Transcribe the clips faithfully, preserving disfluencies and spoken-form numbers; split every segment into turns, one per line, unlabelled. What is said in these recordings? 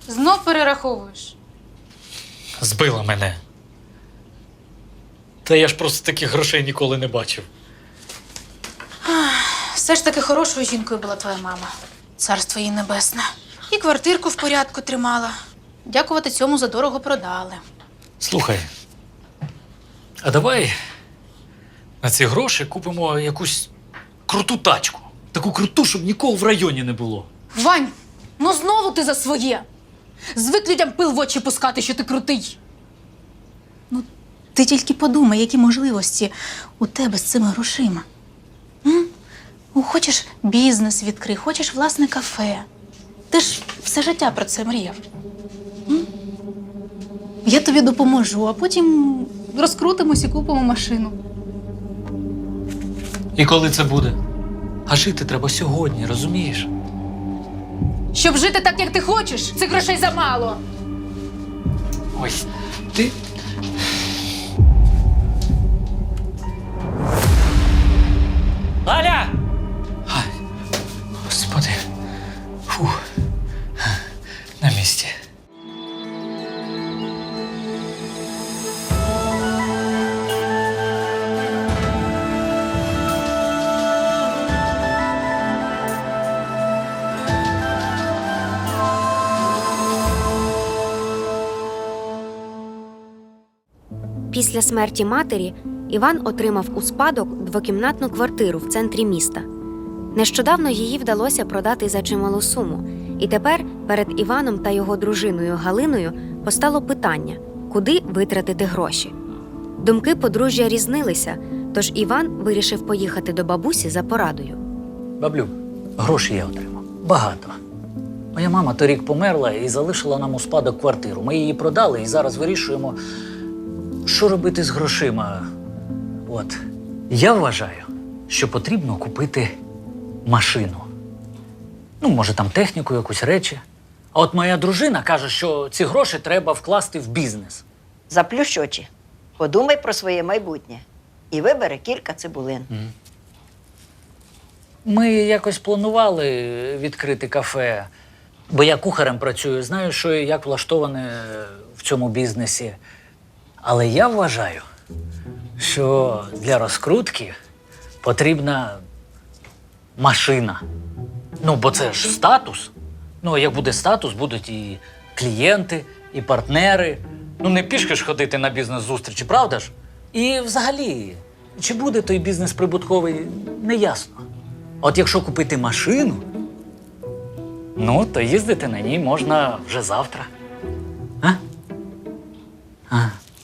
Знов перераховуєш?
Збила мене. Та я ж просто таких грошей ніколи не бачив.
Все ж таки хорошою жінкою була твоя мама. Царство їй небесне. І квартирку в порядку тримала. Дякувати цьому задорого продали.
Слухай, а давай на ці гроші купимо якусь круту тачку. Таку круту, щоб нікого в районі не було.
Вань, ну знову ти за своє. Звик людям пил в очі пускати, що ти крутий. Ну, ти тільки подумай, які можливості у тебе з цими грошима. М? Ну, хочеш бізнес відкрий, хочеш власне кафе. Ти ж все життя про це мріяв. М? Я тобі допоможу, а потім розкрутимось і купимо машину.
І коли це буде? А жити треба сьогодні, розумієш?
Щоб жити так, як ти хочеш, цих грошей замало.
Ой, ти... Аля! Ай, господи. Фух. На місці.
Після смерті матері Іван отримав у спадок двокімнатну квартиру в центрі міста. Нещодавно її вдалося продати за чималу суму, і тепер перед Іваном та його дружиною Галиною постало питання, куди витратити гроші. Думки подружжя різнилися, тож Іван вирішив поїхати до бабусі за порадою.
Баблю, гроші я отримав. Багато. Моя мама торік померла і залишила нам у спадок квартиру. Ми її продали і зараз вирішуємо, що робити з грошима. От. Я вважаю, що потрібно купити машину. Ну, може, там техніку, якусь речі. А от моя дружина каже, що ці гроші треба вкласти в бізнес.
Заплющ очі, подумай про своє майбутнє і вибери кілька цибулин.
Ми якось планували відкрити кафе, бо я кухарем працюю, знаю, що і як влаштоване в цьому бізнесі. Але я вважаю, що для розкрутки потрібна машина. Ну, бо це ж статус. Ну, як буде статус, будуть і клієнти, і партнери. Ну, не пішки ж ходити на бізнес-зустрічі, правда ж? І взагалі, чи буде той бізнес прибутковий, не ясно. От якщо купити машину, ну, то їздити на ній можна вже завтра. А? А.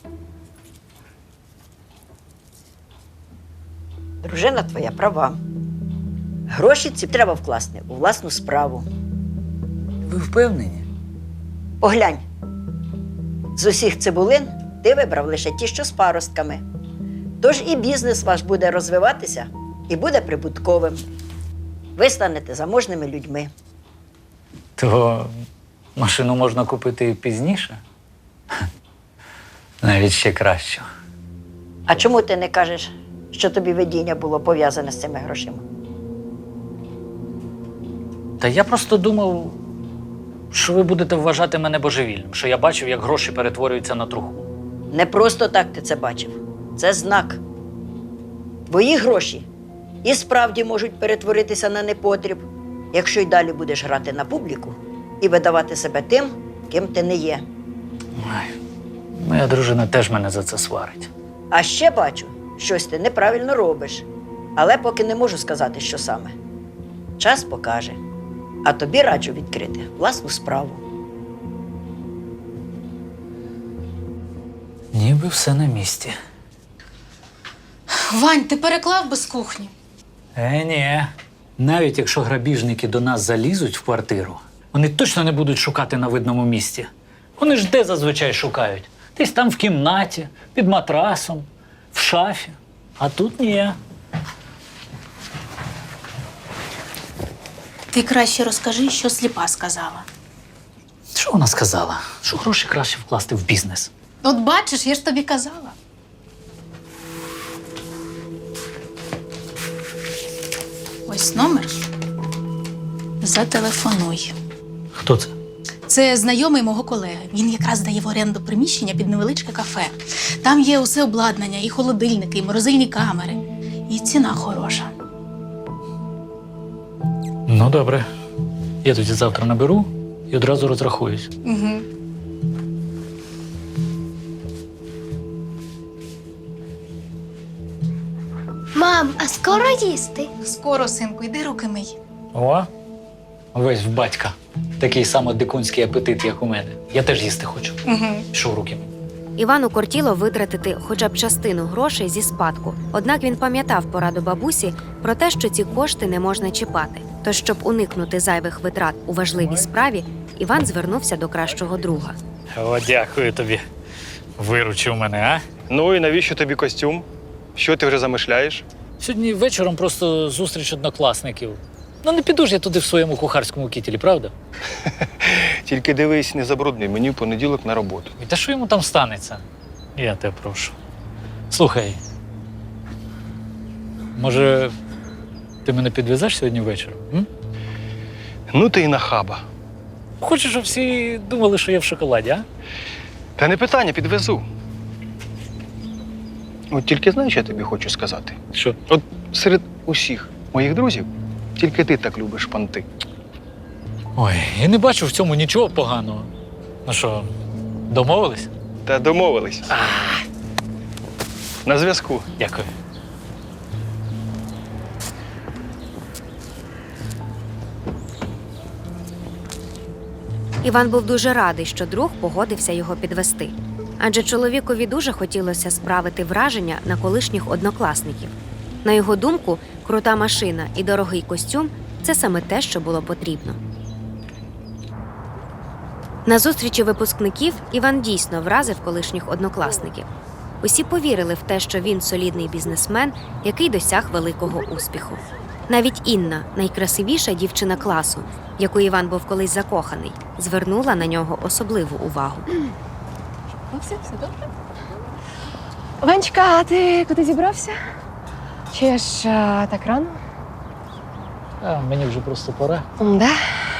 Дружина твоя права. Гроші ці треба вкласти у власну справу.
Ви впевнені?
Поглянь, з усіх цибулин ти вибрав лише ті, що з паростками. Тож і бізнес ваш буде розвиватися і буде прибутковим. Ви станете заможними людьми.
То машину можна купити пізніше? Навіть ще краще.
А чому ти не кажеш, що тобі видіння було пов'язане з цими грошима?
Та я просто думав, що ви будете вважати мене божевільним, що я бачив, як гроші перетворюються на труху.
Не просто так ти це бачив. Це знак. Твої гроші і справді можуть перетворитися на непотріб, якщо й далі будеш грати на публіку і видавати себе тим, ким ти не є.
Ой, моя дружина теж мене за це сварить.
А ще бачу, щось ти неправильно робиш, але поки не можу сказати, що саме. Час покаже. А тобі раджу відкрити власну справу.
Ніби все на місці.
Вань, ти переклав без кухні?
Е, ні. Навіть якщо грабіжники до нас залізуть в квартиру, вони точно не будуть шукати на видному місці. Вони ж де зазвичай шукають? Десь там в кімнаті, під матрасом, в шафі. А тут ні.
Ти краще розкажи, що сліпа сказала.
Що вона сказала? Що гроші краще вкласти в бізнес.
От бачиш, я ж тобі казала. Ось номер. Зателефонуй.
Хто це?
Це знайомий мого колеги. Він якраз дає в оренду приміщення під невеличке кафе. Там є усе обладнання, і холодильники, і морозильні камери. І ціна хороша.
Ну, добре. Я тоді завтра наберу і одразу розрахуюсь.
Угу.
Мам, а скоро їсти?
Скоро, синку, йди руки мий.
О, весь в батька. Такий само дикунський апетит, як у мене. Я теж їсти хочу.
Угу.
Пішов руки.
Івану кортіло витратити хоча б частину грошей зі спадку. Однак він пам'ятав пораду бабусі про те, що ці кошти не можна чіпати. Тож, щоб уникнути зайвих витрат у важливій справі, Іван звернувся до кращого друга.
О, дякую тобі. Виручив мене, а?
Ну і навіщо тобі костюм? Що ти вже замишляєш?
Сьогодні вечором просто зустріч однокласників. Ну, не піду ж я туди в своєму кухарському кітелі, правда?
Тільки дивись, не забруднюй мені в понеділок на роботу.
І та що йому там станеться? Я тебе прошу. Слухай, може, ти мене підвезеш сьогодні ввечері? М?
Ну ти і нахаба.
Хочеш, щоб всі думали, що я в шоколаді, а?
Та не питання, підвезу. От тільки знаєш, що я тобі хочу сказати?
Що?
От серед усіх моїх друзів тільки ти так любиш панти.
Ой, я не бачу в цьому нічого поганого. Ну що, домовились?
Та домовились. На зв'язку.
Дякую.
Іван був дуже радий, що друг погодився його підвести. Адже чоловікові дуже хотілося справити враження на колишніх однокласників. На його думку, крута машина і дорогий костюм – це саме те, що було потрібно. На зустрічі випускників Іван дійсно вразив колишніх однокласників. Усі повірили в те, що він солідний бізнесмен, який досяг великого успіху. Навіть Інна, найкрасивіша дівчина класу, в яку Іван був колись закоханий, звернула на нього особливу увагу.
Ну, все, все добре. Ванечка, а ти куди зібрався? Чи ж а, так рано?
А, мені вже просто пора.
Да.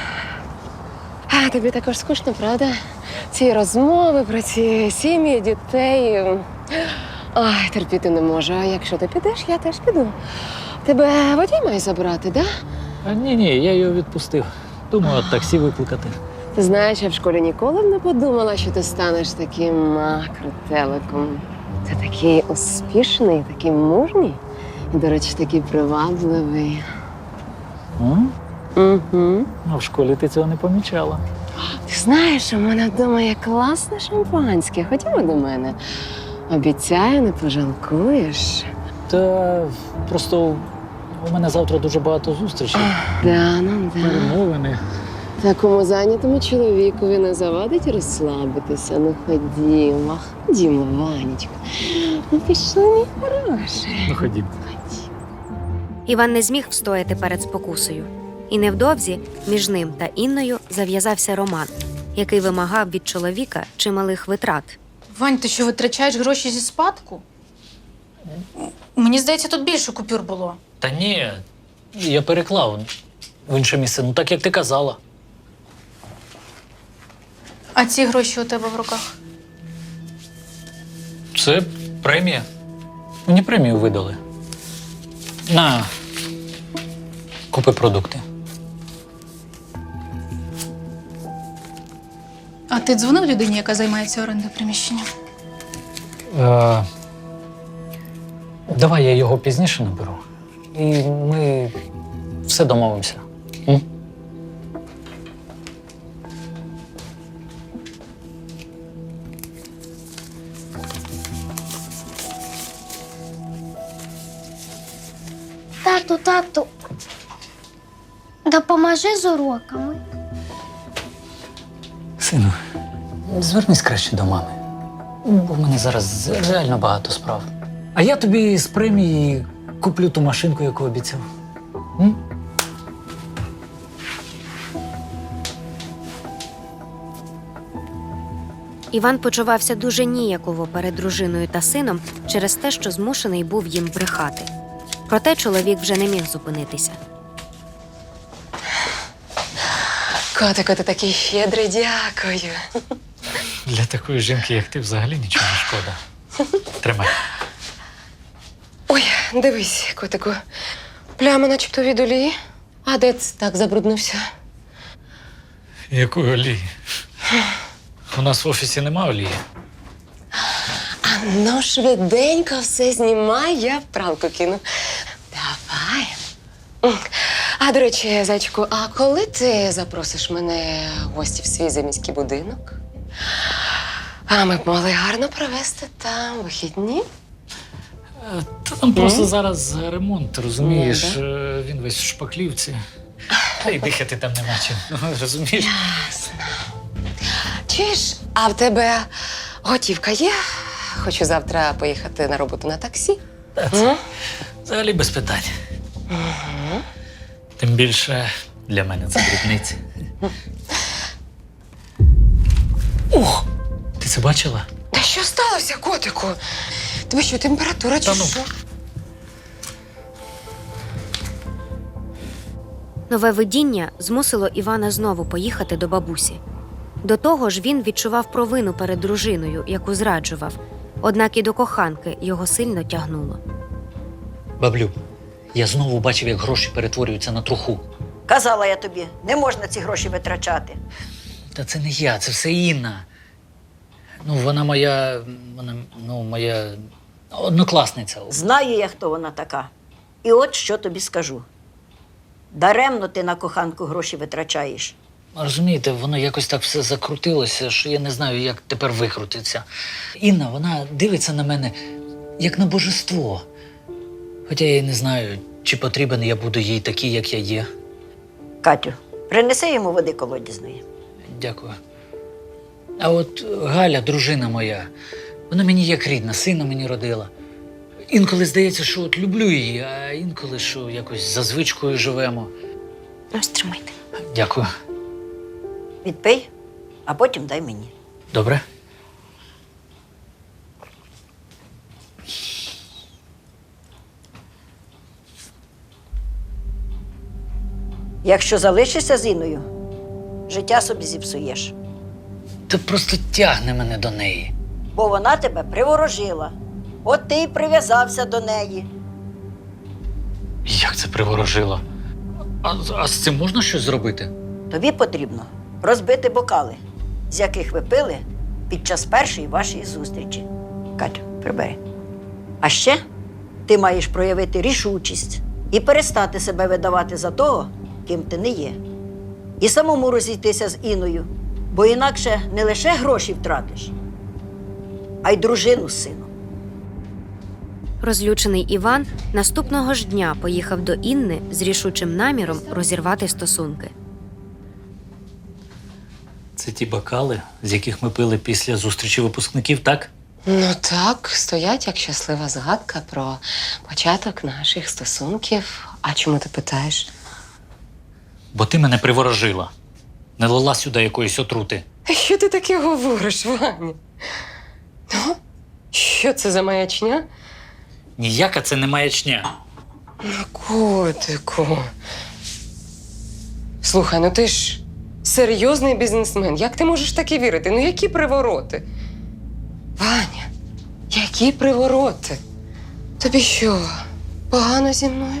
А тобі також скучно, правда? Ці розмови про ці сім'ї, дітей. Ай, терпіти не можу. А якщо ти підеш, я теж піду. Тебе водій має забрати, да?
А ні, ні, я його відпустив. Думаю, от таксі викликати.
Ти знаєш, я в школі ніколи б не подумала, що ти станеш таким а, крутеликом. Ти такий успішний, такий мужній. І, до речі, такий привабливий.
М?
Угу.
А в школі ти цього не помічала.
Ти знаєш, у мене вдома є класне шампанське. Ходімо до мене. Обіцяю, не пожалкуєш.
Та просто у мене завтра дуже багато зустрічей.
Да, ну да.
Перемовини.
Такому зайнятому чоловікові не завадить розслабитися. Ну ходімо, ходімо, Ванечка. Ну пішли, мій хороший.
Ну, ходімо.
Іван не зміг встояти перед спокусою. І невдовзі між ним та Інною зав'язався роман, який вимагав від чоловіка чималих витрат.
Вань, ти що, витрачаєш гроші зі спадку? Мені здається, тут більше купюр було.
Та ні, я переклав в інше місце, ну так як ти казала.
А ці гроші у тебе в руках?
Це премія. Мені премію видали. На, купи продукти.
А ти дзвонив людині, яка займається орендою приміщення?
Е, давай я його пізніше наберу. І ми все домовимося. М?
Тату, тату, допоможи з уроками.
Сину, звернись краще до мами. Бо в мене зараз реально багато справ. А я тобі з премії куплю ту машинку, яку обіцяв. М?
Іван почувався дуже ніяково перед дружиною та сином через те, що змушений був їм брехати. Проте чоловік вже не міг зупинитися.
Котику, ти такий щедрий, дякую.
Для такої жінки, як ти, взагалі нічого не шкода. Тримай.
Ой, дивись, котику. Пляма начебто від олії. А де це так забруднився?
Якої олії? У нас в офісі нема олії.
А ну швиденько все знімай, я в пралку кину. Давай. А, до речі, зайчику, а коли ти запросиш мене в гості в свій заміський будинок? А ми б могли гарно провести там вихідні.
Та там просто зараз ремонт, розумієш?
Ну,
Е, Він весь в шпаклівці. Та й дихати там нема чим. Ну, розумієш?
Ясно. Чуєш, а в тебе готівка є? Хочу завтра поїхати на роботу на таксі.
Та це взагалі без питань. Тим більше для мене це дрібниці. Ох! Ти це бачила?
Та що сталося, котику? Тебе що, температура чи
Та ну.
що?
Нове видіння змусило Івана знову поїхати до бабусі. До того ж він відчував провину перед дружиною, яку зраджував. Однак і до коханки його сильно тягнуло.
Баблю, я знову бачив, як гроші перетворюються на труху.
Казала я тобі, не можна ці гроші витрачати.
Та це не я, це все Інна. Ну, вона моя. Вона, ну, моя однокласниця.
Знаю я, хто вона така. І от що тобі скажу. Даремно ти на коханку гроші витрачаєш.
Розумієте, воно якось так все закрутилося, що я не знаю, як тепер викрутиться. Інна, вона дивиться на мене як на божество. Хоча я й не знаю, чи потрібен я буду їй такий, як я є.
Катю, принеси йому води колодязної.
Дякую. А от Галя, дружина моя, вона мені як рідна, сина мені родила. Інколи здається, що от люблю її, а інколи, що якось за звичкою живемо.
Ось тримайте.
Дякую.
Відпий, а потім дай мені.
Добре?
Якщо залишишся з Інною, життя собі зіпсуєш.
Та просто тягне мене до неї.
Бо вона тебе приворожила. От ти й прив'язався до неї.
Як це приворожило?
А, а з цим можна щось зробити?
Тобі потрібно розбити бокали, з яких ви пили під час першої вашої зустрічі. Катю, прибери. А ще ти маєш проявити рішучість і перестати себе видавати за того, ким ти не є. І самому розійтися з Інною, бо інакше не лише гроші втратиш, а й дружину з сином.
Розлючений Іван наступного ж дня поїхав до Інни з рішучим наміром розірвати стосунки.
Це ті бокали, з яких ми пили після зустрічі випускників, так?
Ну так, стоять як щаслива згадка про початок наших стосунків. А чому ти питаєш?
Бо ти мене приворожила. Не лила сюди якоїсь отрути.
Що ти таке говориш, Ваня? Ну, що це за маячня?
Ніяка це не маячня.
Ну, котику. Слухай, ну ти ж серйозний бізнесмен. Як ти можеш таке вірити? Ну, які привороти? Ваня, які привороти? Тобі що, погано зі мною?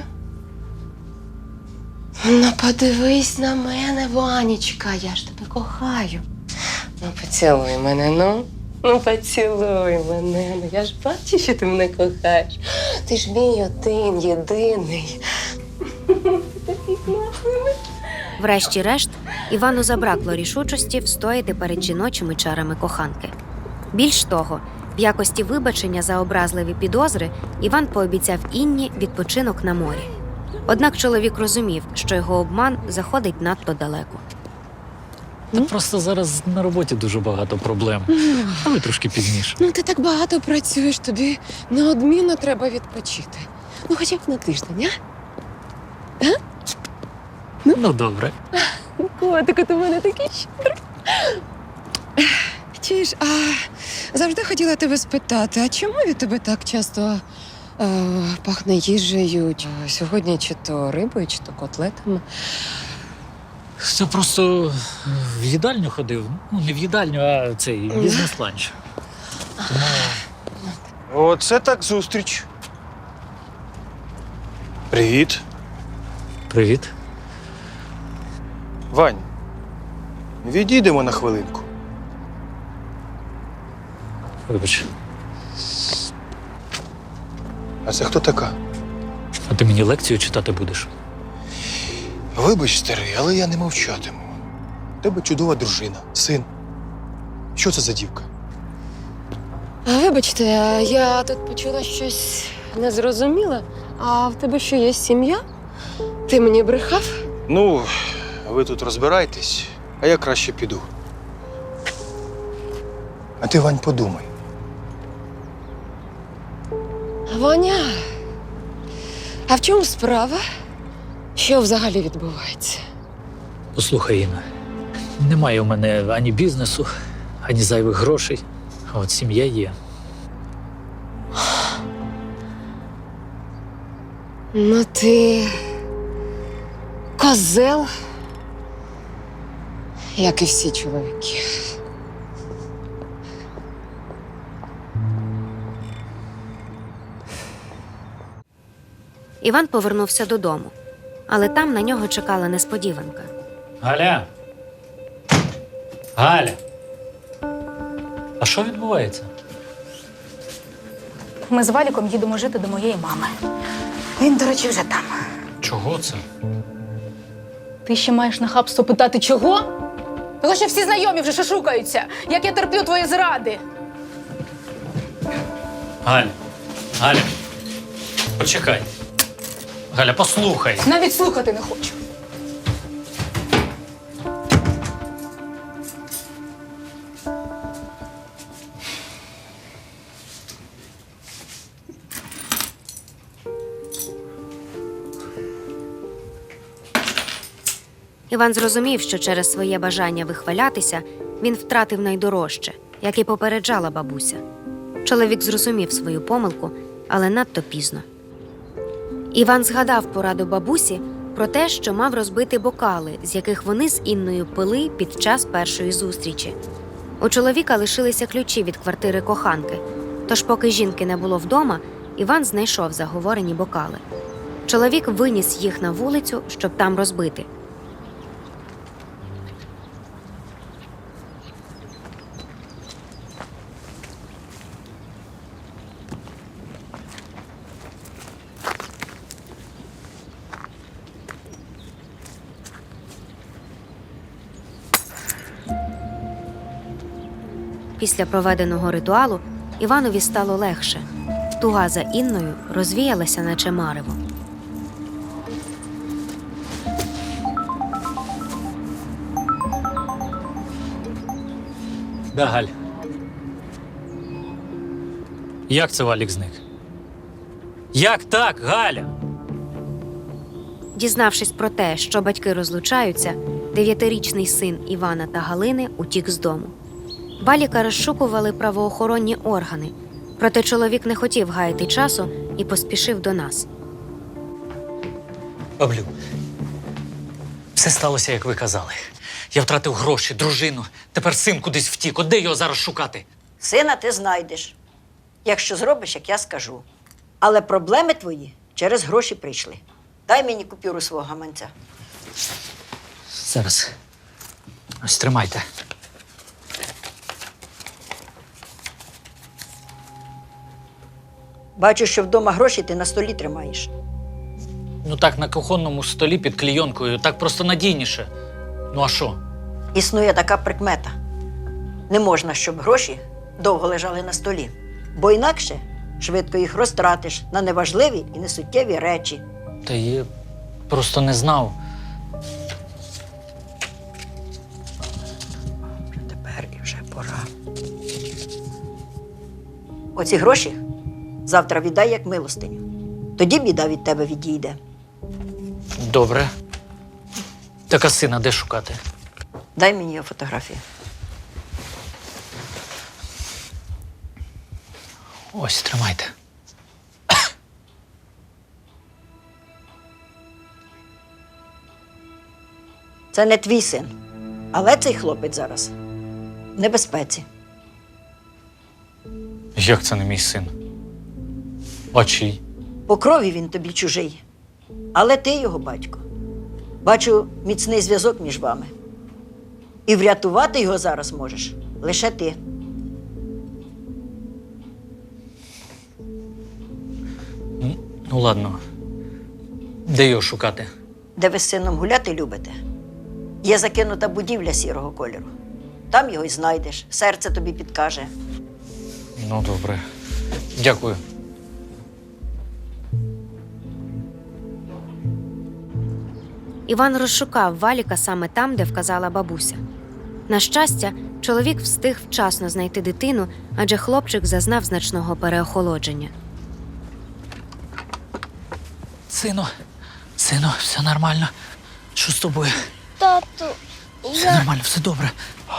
Ну, подивись на мене, Ванечка, я ж тебе кохаю. Ну, поцілуй мене, ну. Ну, поцілуй мене. Ну, я ж бачу, що ти мене кохаєш. Ти ж мій один, єдиний.
Врешті-решт, Івану забракло рішучості встояти перед жіночими чарами коханки. Більш того, в якості вибачення за образливі підозри Іван пообіцяв Інні відпочинок на морі. Однак чоловік розумів, що його обман заходить надто далеко.
Та просто зараз на роботі дуже багато проблем. Але трошки пізніше.
Ну, ти так багато працюєш, тобі неодмінно треба відпочити. Ну, хоча б на тиждень, а?
Ну, добре.
Котику, ти в мене такий щедрий. Чуєш, а завжди хотіла тебе спитати, а чому від тебе так часто е, пахне їжею? Чи сьогодні чи то рибою, чи то котлетами?
Це просто в їдальню ходив. Ну, не в їдальню, а цей бізнес-ланч. Тому
Оце так зустріч. Привіт.
привіт.
Вань, відійдемо на хвилинку.
Вибач.
А це хто така?
А ти мені лекцію читати будеш?
Вибач, старий, але я не мовчатиму. У тебе чудова дружина, син. Що це за дівка?
А, Вибачте, я тут почула щось незрозуміле. А в тебе що є сім'я? Ти мені брехав?
Ну, ви тут розбирайтесь, а я краще піду. А ти, Вань, подумай.
Ваня, а в чому справа? Що взагалі відбувається?
Послухай, Інна, немає у мене ані бізнесу, ані зайвих грошей. А от сім'я є.
Ну ти козел, як і всі чоловіки.
Іван повернувся додому, але там на нього чекала несподіванка.
Галя! Галя! А що відбувається?
Ми з Валіком їдемо жити до моєї мами. Він, до речі, вже там.
Чого це?
Ти ще маєш нахабство питати, чого? Того, що всі знайомі вже шушукаються, як я терплю твої зради.
Галя! Галя! Почекай. Галя, послухай.
Навіть слухати не хочу.
Іван зрозумів, що через своє бажання вихвалятися він втратив найдорожче, як і попереджала бабуся. Чоловік зрозумів свою помилку, але надто пізно. Іван згадав пораду бабусі про те, що мав розбити бокали, з яких вони з Інною пили під час першої зустрічі. У чоловіка лишилися ключі від квартири коханки, тож поки жінки не було вдома, Іван знайшов заговорені бокали. Чоловік виніс їх на вулицю, щоб там розбити. Після проведеного ритуалу Іванові стало легше. Туга за Інною розвіялася, наче марево.
Да, Галь. Як це Валік зник? Як так, Галя?
Дізнавшись про те, що батьки розлучаються, дев'ятирічний син Івана та Галини утік з дому. Валіка розшукували правоохоронні органи, проте чоловік не хотів гаяти часу і поспішив до нас.
Баблю, все сталося, як ви казали. Я втратив гроші, дружину. Тепер син кудись втік. От де його зараз шукати?
Сина ти знайдеш, якщо зробиш, як я скажу. Але проблеми твої через гроші прийшли. Дай мені купюру свого гаманця.
Зараз. Ось тримайте.
Бачу, що вдома гроші ти на столі тримаєш.
Ну так, на кухонному столі під клійонкою. Так просто надійніше. Ну а що?
Існує така прикмета. Не можна, щоб гроші довго лежали на столі, бо інакше швидко їх розтратиш на неважливі і несуттєві речі.
Та я просто не знав.
Тепер і вже пора. Оці гроші завтра віддай як милостиню. Тоді біда від тебе відійде.
Добре. Так а сина де шукати?
Дай мені його фотографію.
Ось, тримайте.
Це не твій син. Але цей хлопець зараз в небезпеці.
Як це не мій син? А чий?
По крові він тобі чужий. Але ти його батько. Бачу міцний зв'язок між вами. І врятувати його зараз можеш лише ти.
Ну ладно. Де його шукати?
Де ви з сином гуляти любите, є закинута будівля сірого кольору. Там його й знайдеш, серце тобі підкаже.
Ну, добре. Дякую.
Іван розшукав Валіка саме там, де вказала бабуся. На щастя, чоловік встиг вчасно знайти дитину, адже хлопчик зазнав значного переохолодження.
Сину, сину, все нормально. Що з тобою?
Тату,
Все нормально, все добре.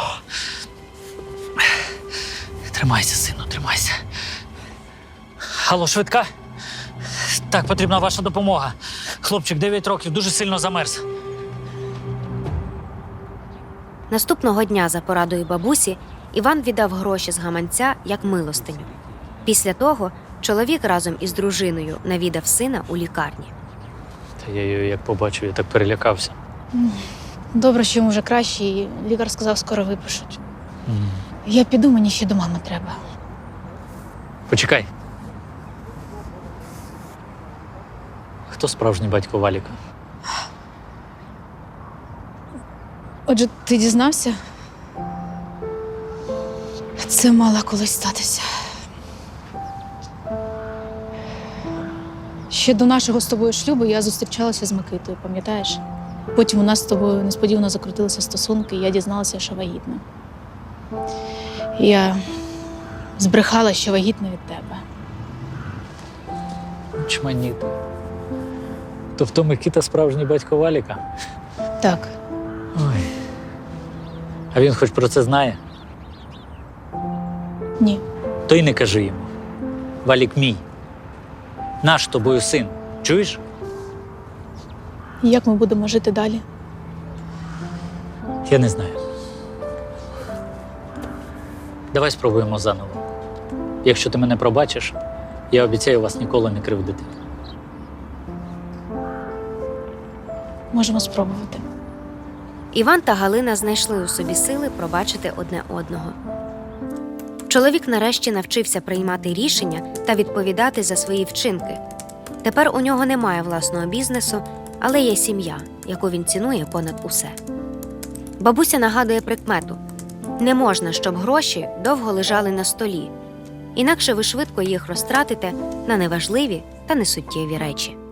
Тримайся, сину, тримайся. Алло, швидка? Так, потрібна ваша допомога. Хлопчик дев'ять років, дуже сильно замерз.
Наступного дня, за порадою бабусі, Іван віддав гроші з гаманця як милостиню. Після того чоловік разом із дружиною навідав сина у лікарні.
Та я її як побачив, я так перелякався.
Добре, що йому вже краще, і лікар сказав, скоро випишуть. Я піду, мені ще до мами треба.
Почекай. Хто справжній батько Валіка?
Отже, ти дізнався? Це мало колись статися. Ще до нашого з тобою шлюбу я зустрічалася з Микитою, пам'ятаєш? Потім у нас з тобою несподівано закрутилися стосунки, і я дізналася, що вагітна. Я збрехала, що вагітна від тебе.
Чманіти. Тобто Микита справжній батько Валіка?
Так,
Ой. А він хоч про це знає?
ні.
То й не кажи йому. Валік мій. Наш з тобою син. Чуєш?
Як ми будемо жити далі?
Я не знаю. Давай спробуємо заново. Якщо ти мене пробачиш, я обіцяю вас ніколи не кривдити.
Можемо спробувати.
Іван та Галина знайшли у собі сили пробачити одне одного. Чоловік нарешті навчився приймати рішення та відповідати за свої вчинки. Тепер у нього немає власного бізнесу, але є сім'я, яку він цінує понад усе. Бабуся нагадує прикмету: не можна, щоб гроші довго лежали на столі, інакше ви швидко їх розтратите на неважливі та несуттєві речі.